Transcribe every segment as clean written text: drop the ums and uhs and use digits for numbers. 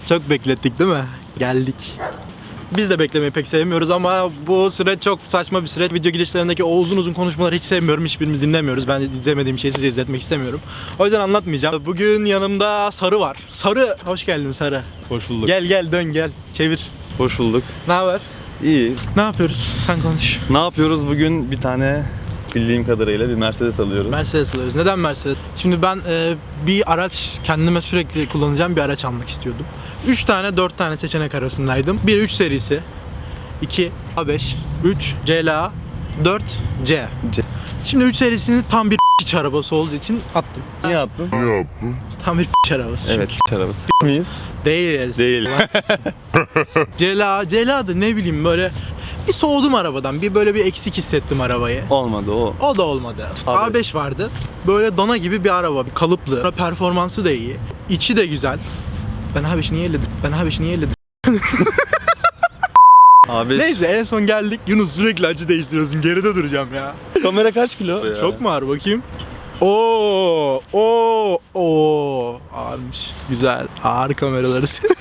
Çok beklettik değil mi? Geldik. Biz de beklemeyi pek sevmiyoruz ama bu süreç çok saçma bir süreç. Video girişlerindeki o uzun uzun konuşmaları hiç sevmiyorum. Hiçbirimiz dinlemiyoruz. Ben izlemediğim şeyi size izletmek istemiyorum. O yüzden anlatmayacağım. Bugün yanımda Sarı var. Sarı, hoş geldin Sarı. Hoş bulduk. Gel dön gel. Çevir. Hoş bulduk. Ne haber? İyi. Ne yapıyoruz? Sen konuş. Ne yapıyoruz bugün? Bir tane bildiğim kadarıyla bir Mercedes alıyoruz. Mercedes alıyoruz. Neden Mercedes? Şimdi ben bir araç kendime sürekli kullanacağım bir araç almak istiyordum. 3 tane 4 tane seçenek arasındaydım. 1 3 serisi, 2 A5, 3 CLA, 4 C. Şimdi 3 serisini tam bir piç arabası olduğu için attım. Niye attın? Tam bir piç arabası. Evet, arabası. miyiz? Değiliz. Değil. CLA da ne bileyim böyle bir soğudum arabadan. Bir böyle bir eksik hissettim arabayı. Olmadı o. O da olmadı. A5. A5 vardı. Böyle dana gibi bir araba, bir kalıplı. Performansı da iyi. İçi de güzel. Ben A5'i niye elledim? A5. Neyse en son geldik. Yunus sürekli açı değiştiriyorsun. Geride duracağım ya. Kamera kaç kilo? Çok mu ağır bakayım? Oo, ağırmış. Güzel. Ağır kameraları severim.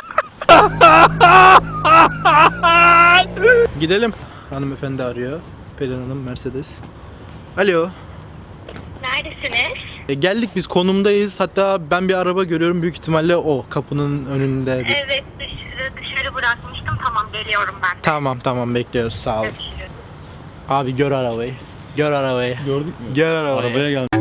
Gidelim. Hanımefendi arıyor. Pelin Hanım, Mercedes. Alo. Neredesiniz? Geldik biz, konumdayız. Hatta ben bir araba görüyorum. Büyük ihtimalle o kapının önünde. Evet, dışarı bırakmıştım. Tamam, geliyorum ben de. Tamam bekliyoruz. Sağ olun. Görüşürüz. Abi gör arabayı. Gördük mü? Gör arabayı. Arabaya gel.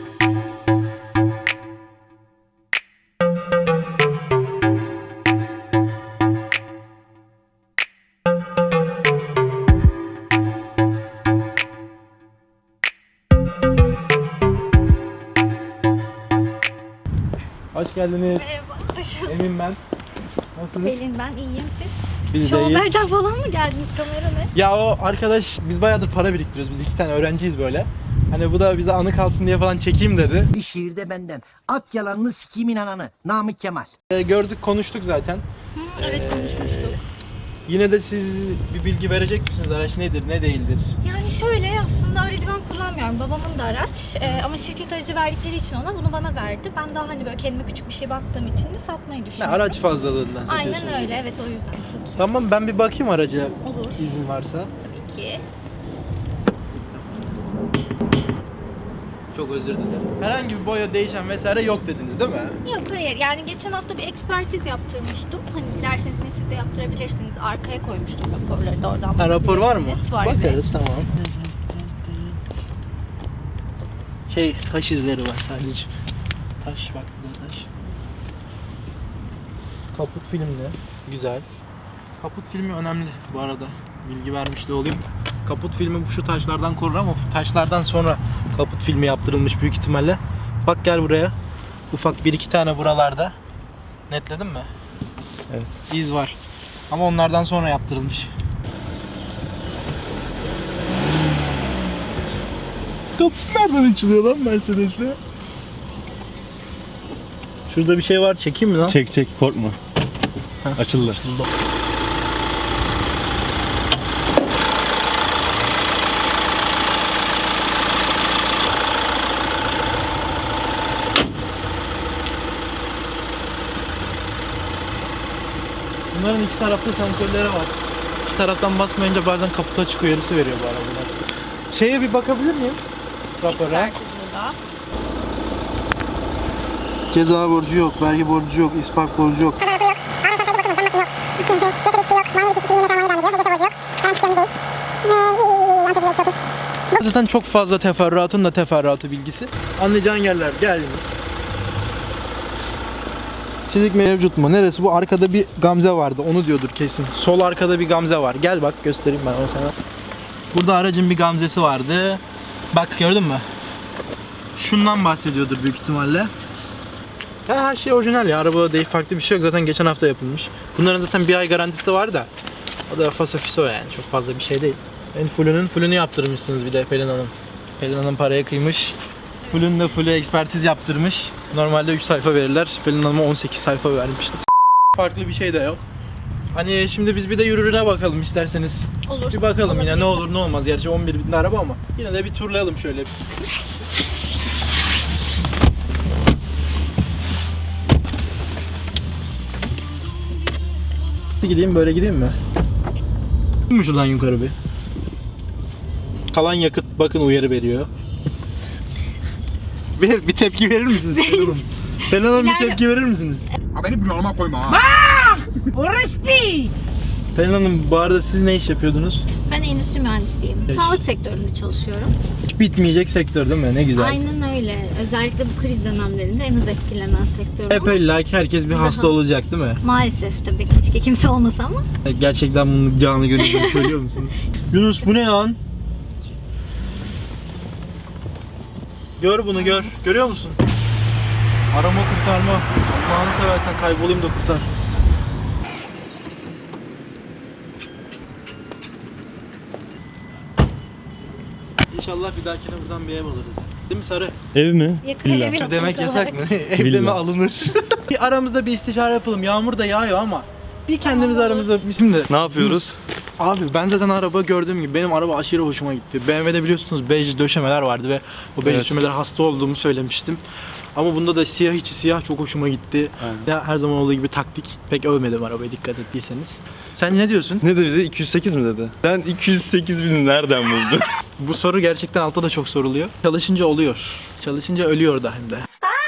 Hoş geldiniz. Merhaba, hoş Emin ben. Nasılsınız? Pelin ben iyiyim siz. Biz Şu de iyiyiz. haberden falan mı geldiniz, kamera ne? Ya o arkadaş, biz bayağıdır para biriktiriyoruz. Biz 2 tane öğrenciyiz böyle. Hani bu da bize anı kalsın diye falan çekeyim dedi. Bir şiirde benden. At yalanını sikimin ananı. Namık Kemal. Gördük, konuştuk zaten. Evet, konuşmuştuk. Yine de siz bir bilgi verecek misiniz? Araç nedir, ne değildir? Yani şöyle, aslında aracı ben kullanmıyorum. Babamın da araç. Ama şirket aracı verdikleri için bunu bana verdi. Ben daha hani böyle kendime küçük bir şey baktığım için de satmayı Ne, düşünüyorum. araç fazlalığından satıyorsunuz. Aynen öyle, evet, o yüzden satıyorum. Tamam, ben bir bakayım araca. Olur. İzin varsa. Tabii ki. Çok özür dilerim. Herhangi bir boya değişen vesaire yok dediniz değil mi? Yok, hayır, yani geçen hafta bir ekspertiz yaptırmıştım. Hani dilerseniz de siz de yaptırabilirsiniz. Arkaya koymuştum raporları da, oradan Ha, rapor var mı? bakabilirsiniz. Var, evet. Bakarız, tamam. Taş izleri var sadece. Taş, bak burada taş. Kaput filmli. Güzel. Kaput filmi önemli bu arada. Bilgi vermiş de olayım. Kaput filmi şu taşlardan korur ama taşlardan sonra kaput filmi yaptırılmış büyük ihtimalle. Bak gel buraya. Ufak 1-2 tane buralarda. Netledin mi? Evet. İz var. Ama onlardan sonra yaptırılmış. Kaput nereden açılıyor lan Mercedes'le? Şurada bir şey var, çekeyim mi lan? Çek korkma. Açıldı. Bunların iki tarafta sensörleri var. İki taraftan basmayınca bazen kaput açık uyarısı veriyor bu arabalar. Şeye bir bakabilir miyim? Rapora. Ekspertiz burada. Ceza borcu yok, vergi borcu yok, ispark borcu yok. Zaten çok fazla teferruatın da teferruatı bilgisi. Anlayacağın yerler, gel Yunus. Çizik mevcut mu? Neresi bu? Arkada bir gamze vardı. Onu diyordur kesin. Sol arkada bir gamze var. Gel bak, göstereyim ben onu sana. Burada aracın bir gamzesi vardı. Bak, gördün mü? Şundan bahsediyordur büyük ihtimalle. Ya her şey orijinal ya. Arabada değil, farklı bir şey yok. Zaten geçen hafta yapılmış. Bunların zaten bir ay garantisi de var da. O da fasafiso yani. Çok fazla bir şey değil. En fullünü yaptırmışsınız bir de Pelin Hanım. Pelin Hanım paraya kıymış. Full'ü ekspertiz yaptırmış. Normalde 3 sayfa verirler. Pelin Hanım'a 18 sayfa vermişler. Farklı bir şey de yok. Hani şimdi biz bir de yürürüne bakalım isterseniz. Olur. Bir bakalım yine, Olabilir. ne olur ne olmaz. Gerçi 11 bin araba ama yine de bir turlayalım şöyle. dikkatli gideyim, böyle gideyim mi? Mi şuradan yukarı bir? Kalan yakıt bakın uyarı veriyor. Bir tepki verir misiniz? Pelin Hanım bir tepki verir misiniz? Beni bunalıma koyma ha. Pelin Hanım bu arada siz ne iş yapıyordunuz? Ben endüstri mühendisiyim. Eş. Sağlık sektöründe çalışıyorum. Hiç bitmeyecek sektör değil mi? Ne güzel. Aynen öyle. Özellikle bu kriz dönemlerinde en az etkilenen sektör Hep bu. illa ki herkes bir hasta olacak değil mi? Maalesef tabii keşke kimse olmasa ama. Gerçekten bunu canı gönülden söylüyor musunuz? Yunus bu ne lan? Gör bunu gör. Görüyor musun? Arama kurtarma. Allah'ını seversen kaybolayım da kurtar. İnşallah bir dahakine buradan bir ev alırız. Değil mi Sarı? Ev mi? Yakın Villa. evi Demek yasak mı? Evde Villa. mi alınır? Bir aramızda bir istişare yapalım. Yağmur da yağıyor ama bir kendimiz aramızda şimdi. Ne yapıyoruz? Abi ben zaten araba gördüğüm gibi benim araba aşırı hoşuma gitti. BMW'de biliyorsunuz bej döşemeler vardı ve o bej Evet. döşemeler hasta olduğumu söylemiştim. Ama bunda da siyah içi siyah çok hoşuma gitti. Aynen. Ya her zaman olduğu gibi taktik. Pek övmedim arabayı dikkat ettiyseniz. Sen ne diyorsun? Ne dedi? 208 mi dedi? Sen 208 bini nereden buldun? Bu soru gerçekten altta da çok soruluyor. Çalışınca oluyor. Çalışınca ölüyor da hem de.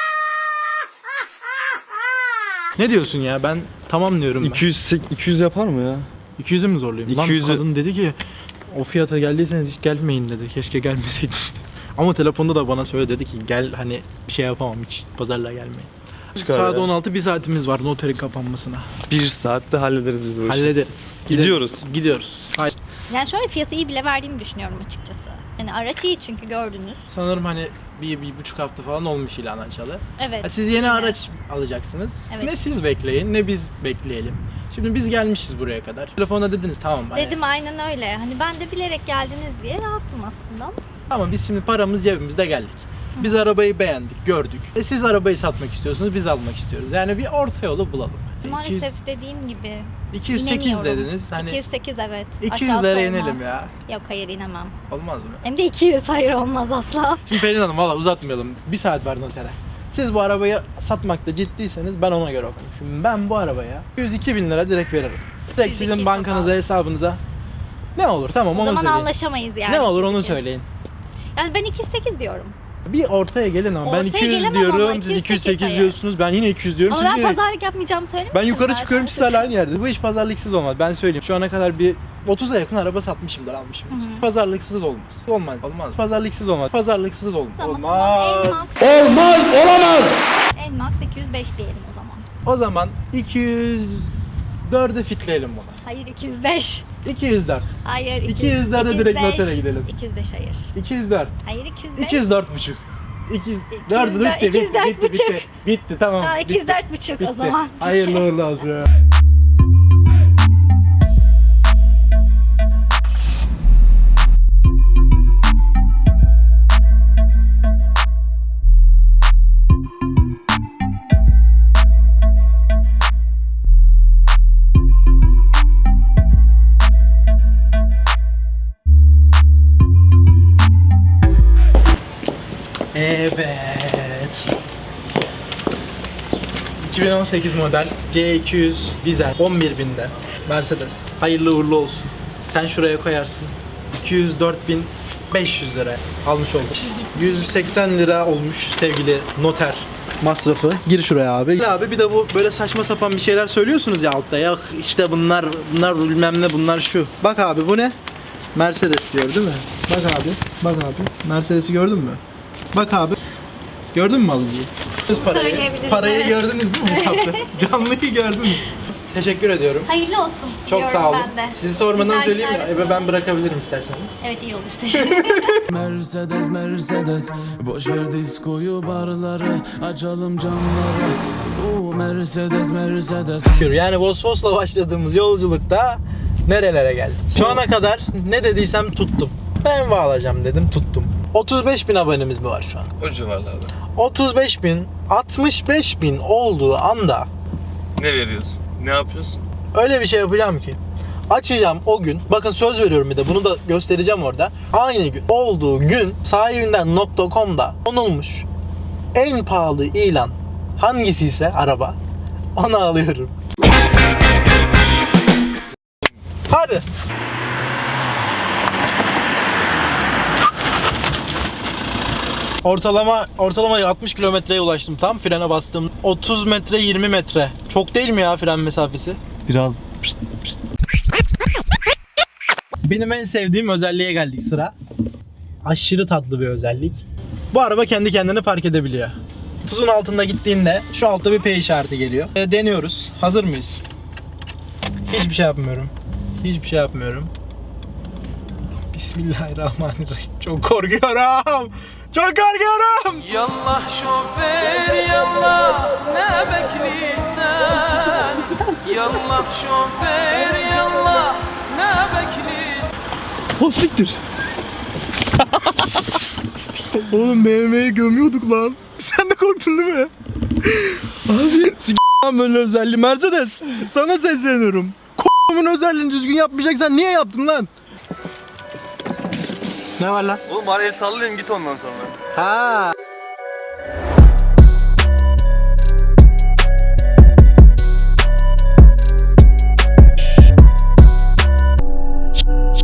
Ne diyorsun ya? Ben tamam diyorum ben. 200 yapar mı ya? 200'ü mü zorlayayım? Lan 200'ü kadın dedi ki o fiyata geldiyseniz hiç gelmeyin dedi. Keşke gelmeseydiniz dedi. Ama telefonda da bana söyle dedi ki gel hani bir şey yapamam hiç pazarlığa gelmeyin. Çıkar Saat ya. 16 bir saatimiz var noterin kapanmasına. 1 saatte hallederiz biz bu işi. Hallederiz. Gidiyoruz. Gidiyoruz. Hayır. Yani şöyle fiyatı iyi bile verdiğimi düşünüyorum açıkçası. Yani araç iyi çünkü gördünüz. Sanırım hani bir buçuk hafta falan olmuş ilan açalı. Evet. Ha, siz yeni araç alacaksınız. Evet. Ne siz bekleyin ne biz bekleyelim. Şimdi biz gelmişiz buraya kadar. Telefonda dediniz tamam hani, Dedim aynen öyle. Hani ben de bilerek geldiniz diye rahattım aslında. ama biz şimdi paramız cebimizde geldik. Biz arabayı beğendik, gördük. Siz arabayı satmak istiyorsunuz, biz almak istiyoruz. Yani bir orta yolu bulalım. Maalesef dediğim gibi 208 inemiyorum. dediniz. Hani 208 evet. 200'lere Aşağısı inelim olmaz. ya. Yok hayır inemem. Olmaz mı? Hem de 200 hayır olmaz asla. Şimdi Pelin Hanım valla uzatmayalım. Bir saat var notere. Siz bu arabayı satmakta ciddiyseniz ben ona göre konuşurum. Ben bu arabaya 102 bin lira direkt veririm. Direkt 102 sizin çok bankanıza, az. hesabınıza. Ne olur tamam O onu zaman söyleyin. anlaşamayız yani. Ne olur onu 202. söyleyin. Yani ben 208 diyorum. Bir ortaya gelin ama ben Ortaya 200 gelemem diyorum, ama siz 208 208 hayır. diyorsunuz, ben yine 200 diyorum. Ama siz ben yine... pazarlık yapmayacağımı söylemiştim. Ben yukarı zaten. çıkıyorum siz hala aynı yerde. Bu iş pazarlıksız olmaz ben söyleyeyim. Şu ana kadar bir 30'a yakın araba satmışımdır, almışımdır. Pazarlıksız olmaz. Olmaz. Pazarlıksız olmaz. Pazarlıksız olmaz. Tamam, Olmaz. Tamam, en max 205 diyelim o zaman. O zaman 204'e fitleyelim bunu. Hayır 205. 204. Hayır 200'lerde direkt notere gidelim. 205 hayır. 204. Hayır 205. 204 buçuk. 204 bitti, 204 buçuk. Bitti tamam. Tamam bitti. 204 buçuk Bitti. o zaman. Hayırlı uğurlu olsun. Evet. 2018 model C200 dizel 11.000'de Mercedes. Hayırlı uğurlu olsun. Sen şuraya koyarsın. 204.500 lira almış olduk. 180 lira olmuş sevgili noter masrafı. Gir şuraya abi. Abi bir de bu böyle saçma sapan bir şeyler söylüyorsunuz ya altta. Yok işte bunlar bilmem ne bunlar şu. Bak abi bu ne? Mercedes diyor değil mi? Bak abi. Mercedes'i gördün mü? Bak abi. Gördün mü alıcıyı? Söyleyebiliriz, Parayı evet. gördünüz değil mi hesapta? Canlıyı gördünüz. Teşekkür ediyorum. Hayırlı olsun. Çok diyorum sağ olun. ben de. Sizi sormadan Güzel söyleyeyim günler de eve ben bırakabilirim isterseniz. Evet iyi olur. Teşekkür ederim. Mercedes Mercedes boş ver diskoyu barları açalım camları. Mercedes Mercedes. Yani Vosvos'la başladığımız yolculukta nerelere geldik? Şu ana kadar ne dediysem tuttum. BMW alacağım dedim tuttum. 35.000 abonemiz mi var şu an? O civarlarda. 35.000, 65.000 olduğu anda Ne veriyorsun? Ne yapıyorsun? öyle bir şey yapacağım ki açacağım o gün, bakın söz veriyorum bir de bunu da göstereceğim orada. Aynı gün olduğu gün sahibinden.com'da konulmuş en pahalı ilan hangisi ise araba onu alıyorum. Hadi. Ortalama 60 kilometreye ulaştım tam frene bastım. 30 metre 20 metre. Çok değil mi ya fren mesafesi? Biraz Benim en sevdiğim özelliğe geldik sıra. Aşırı tatlı bir özellik. Bu araba kendi kendine park edebiliyor. 30'un altında gittiğinde şu altta bir P işareti geliyor. Deniyoruz. Hazır mıyız? Hiçbir şey yapmıyorum. Hiçbir şey yapmıyorum. Bismillahirrahmanirrahim. Çok korkuyorum. Çok korkuyorum. Yallah şoför yallah ne bekliysen Yallah şoför yallah ne bekliysen O siktir. Oğlum BMW'yi gömüyorduk lan. Sen de korktun değil mi? Abi lan böyle özelliği. Mercedes sana sesleniyorum. K***'ın özelliğini düzgün yapmayacaksan niye yaptın lan? Ne var lan? Oğlum araya sallayayım git ondan sonra. Ha.